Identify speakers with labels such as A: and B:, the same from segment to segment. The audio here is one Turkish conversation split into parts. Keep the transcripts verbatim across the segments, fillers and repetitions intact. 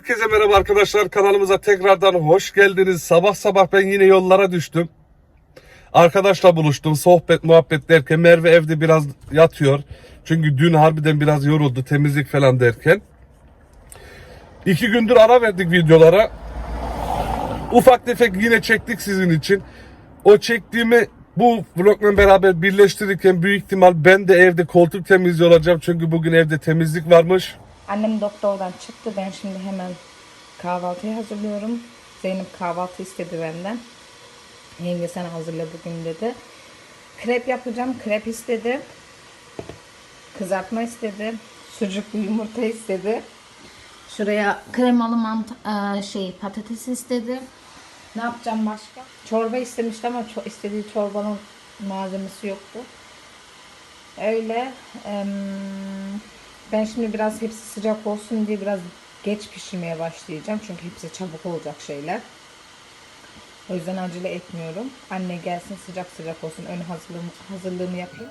A: Herkese merhaba arkadaşlar, kanalımıza tekrardan hoş geldiniz. Sabah sabah ben yine yollara düştüm. Arkadaşla buluştum, sohbet muhabbet derken Merve evde biraz yatıyor. Çünkü dün harbiden biraz yoruldu, temizlik falan derken. İki gündür ara verdik videolara. Ufak tefek yine çektik sizin için. O çektiğimi bu vlogla beraber birleştirirken büyük ihtimal ben de evde koltuk temizliği olacağım. Çünkü bugün evde temizlik varmış.
B: Annem doktordan çıktı. Ben şimdi hemen kahvaltıyı hazırlıyorum. Zeynep kahvaltı istedi benden. Yenge sen hazırla bugün dedi. Krep yapacağım. Krep istedi. Kızartma istedi. Sucuklu yumurta istedi. Şuraya kremalı mant şey patates istedi. Ne yapacağım başka? Çorba istemişti ama ço istediği çorbanın malzemesi yoktu. Öyle. Eee Ben şimdi biraz hepsi sıcak olsun diye biraz geç pişirmeye başlayacağım. Çünkü hepsi çabuk olacak şeyler. O yüzden acele etmiyorum. Anne gelsin sıcak sıcak olsun. Ön hazırlığımı, hazırlığımı yapayım.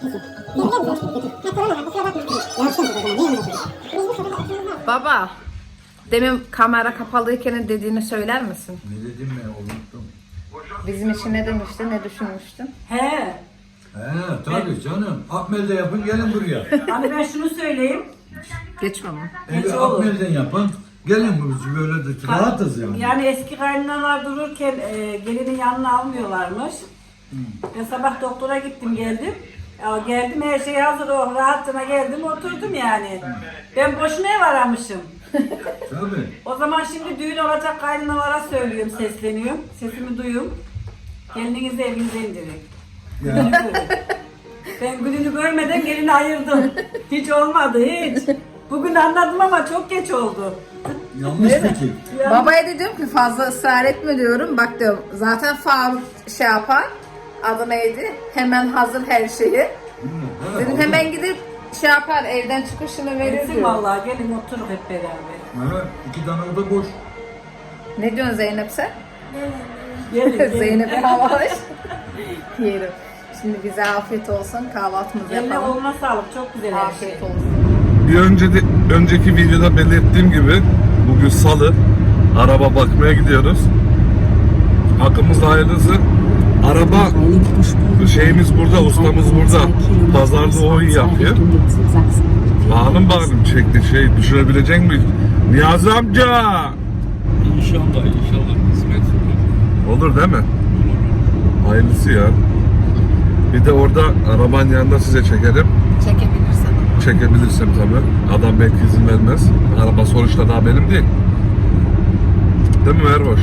B: Baba, demin kamera kapalıyken dediğini söyler misin?
C: Ne dedim ben unuttum.
B: Bizim için ne demiştin, ne düşünmüştün?
D: He.
C: He tabii canım. Akmel'de yapın gelin buraya.
D: Hani ben şunu söyleyeyim.
B: Geçme mi?
C: Evi
D: Geç olur.
C: Akmel'den yapın. Gelin buraya böyle de rahatız yani.
D: Yani eski kaynanalar dururken e, gelinin yanına almıyorlarmış. Ben sabah doktora gittim geldim. Ya geldim her şey hazır o rahatına geldim oturdum yani. Ben boşuna ev aramışım.
C: Tabii.
D: O zaman şimdi düğün olacak kaynanalara söylüyorum, sesleniyorum. Sesimi duyun. Gelininizi evinize indirin.
C: Ya.
D: Ben gününü görmeden gelini ayırdım. Hiç olmadı hiç. Bugün anladım ama çok geç oldu.
C: Yanlış fikir.
D: Yani,
B: Babaya da diyorum ki fazla ısrar etme diyorum. Bak diyorum zaten Faruk şey yapar. Adı neydi? Hemen hazır her şeyi. Dedim hemen gidip şey yapar evden çıkışını verir
D: etsin
B: diyor.
D: vallahi gelin oturun hep beraber.
C: Evet, iki tane oda boş.
B: Ne diyorsun Zeynep sen?
D: Gelin gelin.
B: Zeynep havaş. Yerim. Şimdi bize afiyet olsun. Kahvaltımızı
D: Eline
B: yapalım.
D: olma sağlık çok güzel her şey.
B: Afiyet olsun.
A: Bir önce de, önceki videoda belirttiğim gibi bugün salı, araba bakmaya gidiyoruz. Hakkımızda hayırlısı. Araba şeyimiz burada, ustamız burada. Pazarda o iyi yapıyor. Bakalım bakalım çekti şey düşürebilecek mi? Niyazi amca!
E: İnşallah inşallah hizmet olur.
A: Olur değil mi? Hayırlısı ya. Bir de orada arabanın yanında size çekerim.
B: Çekebilirsen.
A: Çekebilirsem tabii. Adam belki izin vermez. Araba sonuçta daha benim değil. Değil mi Erboş?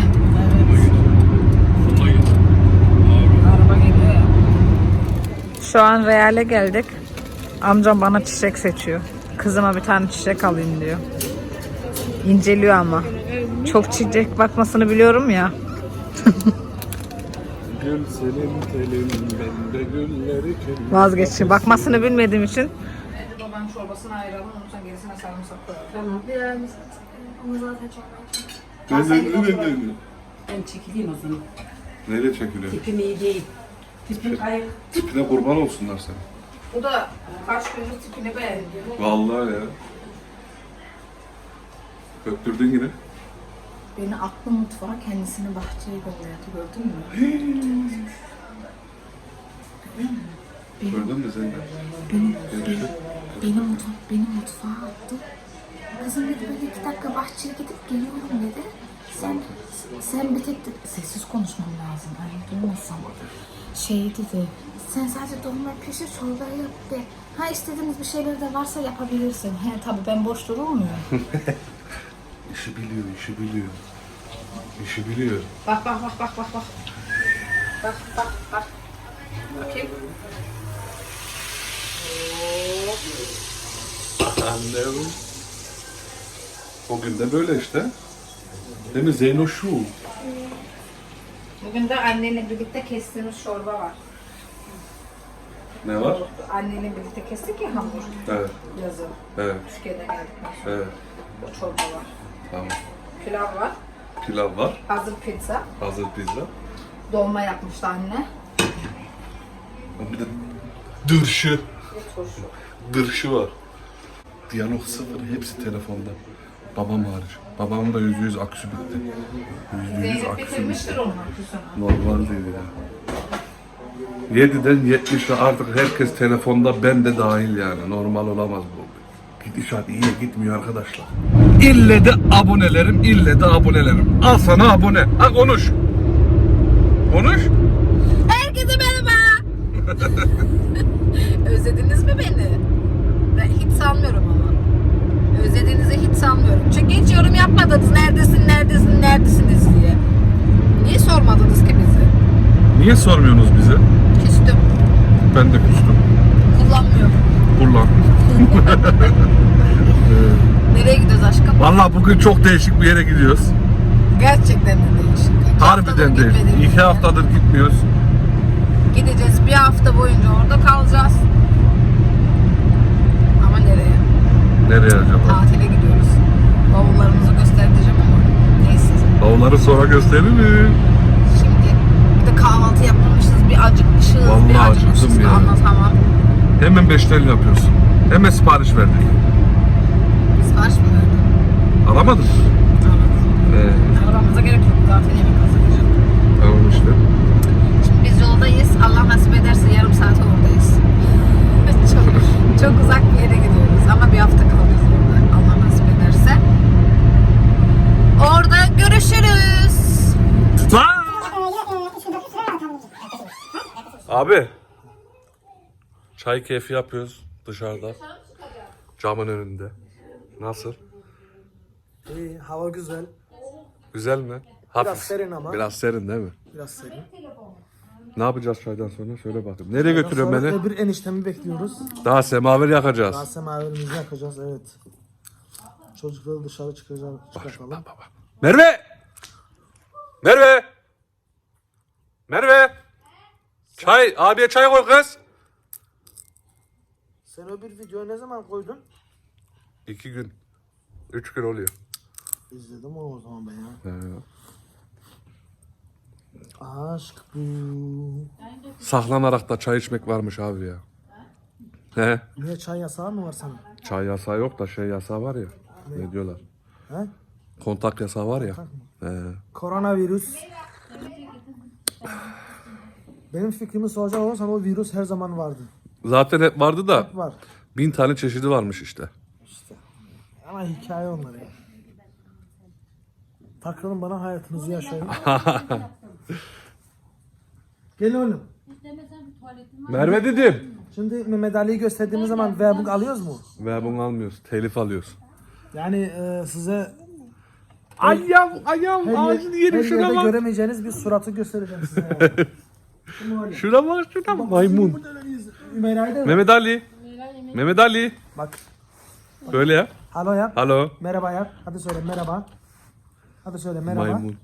E: Sola git.
B: Araba geliyor ya. Şu an Real'e geldik. Amcam bana çiçek seçiyor. Kızıma bir tane çiçek alayım diyor. İnceliyor ama. Çok çiçek bakmasını biliyorum ya.
A: Gül senin telin, ben de gülleri kelim.
B: Vazgeçtim. Bakmasını bilmediğim için. Babanın çorbasını ayıralım. Ondan sonra gerisine sarımsak koyalım. Tamam.
F: Onu zaten çok
A: Ne ne ne ne?
D: Ben çekileyim o zaman.
A: Neyle çekiliyor?
D: Tipim iyi değil. Tipim kayık.
A: Tipine kurban olsunlar sen.
B: Bu da kaç gündür tipini beğendi.
A: Vallahi ya. Öptürdün yine.
B: Beni aklı mutfağa kendisini bahçeye götürdü. Gördün mü?
A: Gördün mü sen de?
F: Benim,
A: Görüştük.
F: beni, mutfak, beni mutfağa attı. Kızım dedi böyle iki dakika bahçeye gidip geliyorum dedi. Sen, sen bir tek de, sessiz konuşmam lazım. Öyle duymasam. Şey dedi. Sen sadece dolma pişir çorbayı yap de. Ha istediğiniz bir şeyler de varsa yapabilirsin. He tabii ben boş durur muyum?
A: İşi biliyor, işi biliyor. İşi biliyor.
B: Bak bak bak bak bak bak. Bak bak bak. Bakayım.
A: Annem. Bugün de böyle işte. Değil mi Zeyno şu?
B: Bugün de annenle birlikte kestiğimiz çorba var.
A: Ne var?
B: Annenle birlikte kestik ya hamur.
A: Evet,
B: Yazın.
A: evet,
B: Türkiye'den geldikten sonra.
A: evet.
B: O çorba var.
A: Tamam.
B: Pilav var.
A: Pilav var,
B: Hazır pizza.
A: hazır pizza.
B: Dolma yapmıştı anne.
A: Bir de dırşı,
B: Ve turşu.
A: dırşı var. Diyalog sıfır, hepsi telefonda. Babam hariç. Babamın da yüzde yüz aküsü bitti. Yüzde yüz
B: Zeynep
A: aküsü
B: bitirmiştir
A: bitti.
B: onun aküsünü.
A: Normal değil ya. yediden yetmişe artık herkes telefonda, ben de dahil yani. Normal olamaz bu. Gidişat iyiye gitmiyor arkadaşlar. İlle de abonelerim, ille de abonelerim. Al sana abone. Ha konuş. Konuş.
F: Herkese merhaba. Özlediniz mi beni? Ben hiç sanmıyorum ama. Özlediğinizi hiç sanmıyorum. Çünkü hiç yorum yapmadınız. Neredesin, neredesin, neredesiniz diye. Niye sormadınız ki bizi?
A: Niye sormuyorsunuz bize?
F: Küstüm.
A: Ben de küstüm.
F: Kullanmıyorum.
A: Kullan.
F: Nereye gidiyoruz aşkım?
A: Vallahi bugün çok değişik bir yere gidiyoruz.
F: Gerçekten de değişik. İki haftadır
A: Harbiden değişik.
F: gitmediğimiz
A: İki
F: yer.
A: haftadır gitmiyoruz.
F: Gideceğiz. Bir hafta boyunca orada kalacağız. Ama nereye?
A: Nereye acaba?
F: Tatile gidiyoruz. Bavullarımızı göstereceğim ama neyse.
A: Bavulları sonra gösteririm.
F: Şimdi bir de kahvaltı yapmamışız, bir acıkmışız,
A: Vallahi
F: bir
A: acıktım
F: acıkmışız ki
A: ya.
F: anlatamam.
A: Hemen beşten yapıyorsun. Hemen sipariş verdik.
F: Sipariş mi verdin?
A: Alamadın mı? Ee,
F: Aramamıza gerek yok, zaten yemek hazırlayacağım.
A: tamam işte.
F: Şimdi biz yoldayız, Allah nasip ederse yarım saat oradayız. çok, çok uzak bir yere gidiyoruz ama bir hafta kalacağız orada, Allah nasip ederse. Orada görüşürüz.
A: Abi. Çay keyfi yapıyoruz dışarıda. Camın önünde. Nasıl?
G: İyi, hava güzel.
A: Güzel mi? Hafif.
G: Biraz serin ama.
A: Biraz serin değil mi?
G: Biraz serin.
A: Ne yapacağız çaydan sonra? Söyle bakayım. Nereye götürüyorsun
G: Sonra
A: beni?
G: bir eniştemi bekliyoruz.
A: Daha semaver yakacağız.
G: Daha semaverimizi yakacağız, evet. Çocukları dışarı çıkacağız, çıkartalım.
A: Baba. Merve! Merve! Merve! Çay, abiye çay koy kız.
G: Sen o bir videoyu ne zaman koydun?
A: İki gün. Üç gün oluyor.
G: İzledim o zaman ben ya.
A: He.
G: Aşk bu.
A: Saklanarak da çay içmek varmış abi ya. He.
G: Niye çay yasağı mı var sana?
A: Çay yasağı yok da şey yasağı var ya. Ne diyorlar?
G: He?
A: Kontak yasağı var ya. He.
G: Koronavirüs. Benim fikrimi soracak olursan o virüs her zaman vardı.
A: Zaten hep vardı da
G: Var.
A: bin tane çeşidi varmış işte.
G: İşte. Ama hikaye onlar ya. Takılın bana, hayatınızı yaşayın. Gel oğlum.
A: Merve dedim.
G: Şimdi Mehmet Ali'yi gösterdiğimiz zaman verbuk alıyoruz mu?
A: Ve bunu almıyoruz. Telif alıyoruz.
G: Yani e, size
A: Ayağım, ayağım,
G: her,
A: ağzını
G: yer,
A: yerim
G: her
A: şuna
G: yerde
A: bak.
G: göremeyeceğiniz bir suratı göstereceğim size. Yani. Şimdi öyle.
A: Şuna bak, şuna bak. Maymun.
G: Burada öyleyiz. Ümeyra'yı da
A: Mehmet Ali. Mehmet Ali.
G: bak.
A: Böyle yap.
G: Halo yap.
A: Halo.
G: Merhaba yap. Hadi söyle merhaba. Hadi söyle merhaba.
A: Maymun.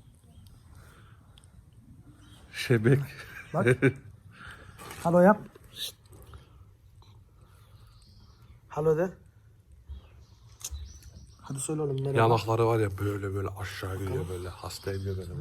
A: Şebek.
G: Bak. Halo yap. Halo de. Hadi söyle oğlum merhaba.
A: Yanakları var ya böyle böyle aşağı gidiyor böyle. Hasta ediyor böyle.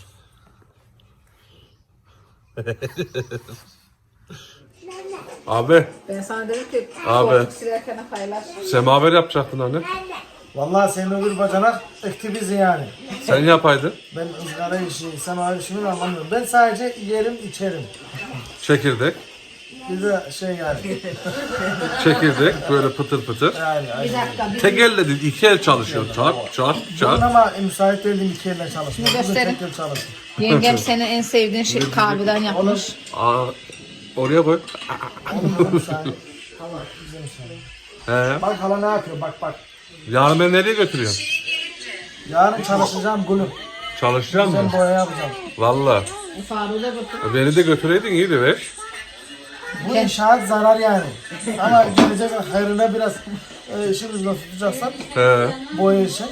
A: Abi
B: Ben sana dedim ki
A: Abi.
B: koltuk silerken paylaş.
A: semaver yapacaktın hani.
G: Vallahi senin öbür bacanak ekti bizi yani.
A: Sen yapaydın.
G: Ben ızgara işi, semaver işini anlamıyorum. Ben sadece yerim içerim.
A: Çekirdek.
G: Bir de şey yani.
A: Çekirdek böyle pıtır pıtır.
G: yani
B: Bir dakika. Bir
A: Tek elle değil iki el çalışıyor. Çat çat
G: Bugün
A: çat.
G: ama müsait değilim iki elle çalışmaya. Bugün
B: gösterin.
G: tek el çalıştım.
B: Yengem senin en sevdiğin şey kahveden yapmış.
A: Aa, oraya koy.
G: Oğlum müsait. Hala bize müsait.
A: He.
G: Bak hala ne yapıyor bak bak.
A: Yarın beni nereye götürüyorsun?
G: Yarın çalışacağım bunu.
A: Çalışacağım mı?
G: Ben boya yapacağım.
A: Valla.
B: Faruk'a bakın.
A: Beni de götüreydin iyiydi be.
G: Bu inşaat zarar yani. Ama gelecek hayrına biraz e, işimizden tutacaksan
A: He.
G: boya için.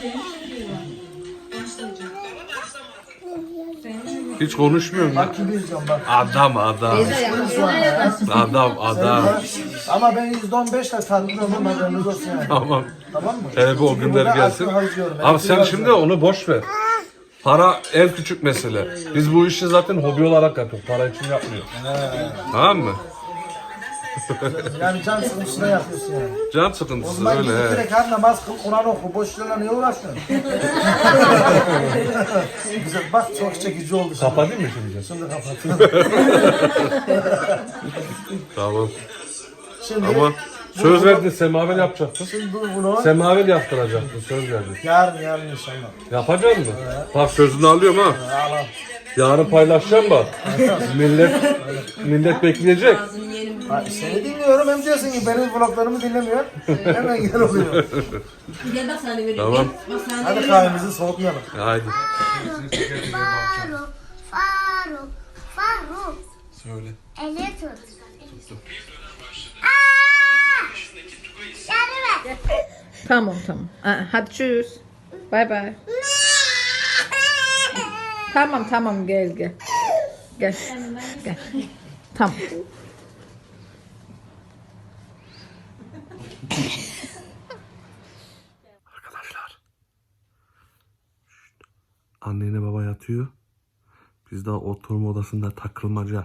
A: Hiç konuşmuyorum ya.
G: Bak gibi izliyorum bak.
A: Adam adam. Adam adam.
G: Ama ben yüzde on beşle tatlıyorum haberiniz olsun yani.
A: Tamam.
G: Tamam mı?
A: Hele bir o
G: Çünkü
A: günler
G: burada
A: gelsin.
G: aklı harcıyorum.
A: Ama
G: Elektrik
A: sen şimdi
G: harcıyorum.
A: onu boş ver. Para en küçük mesele. Biz bu işi zaten hobi olarak yapıyoruz. Para için yapmıyoruz. Tamam mı?
G: Yani can sıkıntısına yapıyorsun yani.
A: Can
G: O
A: sıkıntısı
G: zaman
A: öyle.
G: gidip
A: he.
G: direkt her namaz kıl, Kur'an oku. Boş yerlerle niye uğraşıyorsun? Güzel bak çok çekici oldu şimdi.
A: Kapatayım mı şimdi?
G: Şimdi kapatıyorum.
A: Tamam.
G: Şimdi,
A: Ama söz verdin semaver yapacaktın.
G: şimdi bu bunu
A: Semaver yaptıracaktın söz verdin.
G: yarın yarın inşallah.
A: Yapacak mısın? Bak sözünü alıyorum ha.
G: Al al.
A: Yarın paylaşacağım bak. millet millet bekleyecek.
G: Ha, seni dinliyorum hem diyorsun ki benim vloglarımı dinlemiyor. Hemen gel oluyor.
H: Gel bak sana vereyim.
A: Tamam.
H: Gel, bak sana
G: Hadi
H: vereyim.
G: kahvemizi soğutmayalım.
A: Haydi.
I: Faruk, Faruk, Faruk.
A: Söyle.
I: Eli tut. Aa! Yardım et.
B: Tamam tamam. Aa, hadi tschüss. Bay bay. Tamam tamam gel gel. Gel. Gel. Tamam.
A: Arkadaşlar. Şşt. Anneyle baba yatıyor. Biz daha oturma odasında takılmaca.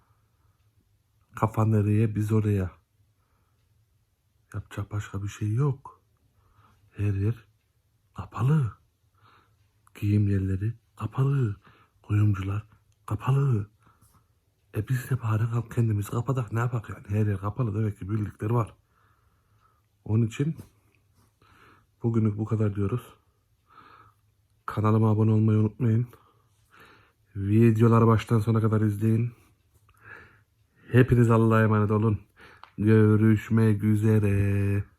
A: Kafa nereye biz oraya. Yapacak başka bir şey yok. Her yer kapalı. Giyim yerleri kapalı. Kuyumcular kapalı. E biz de bari kap- kendimizi kapatak ne yapak yani. Her yer kapalı demek ki bildikleri var. Onun için bugünlük bu kadar diyoruz. Kanalıma abone olmayı unutmayın. Videoları baştan sona kadar izleyin. Hepiniz Allah'a emanet olun. Görüşmek üzere.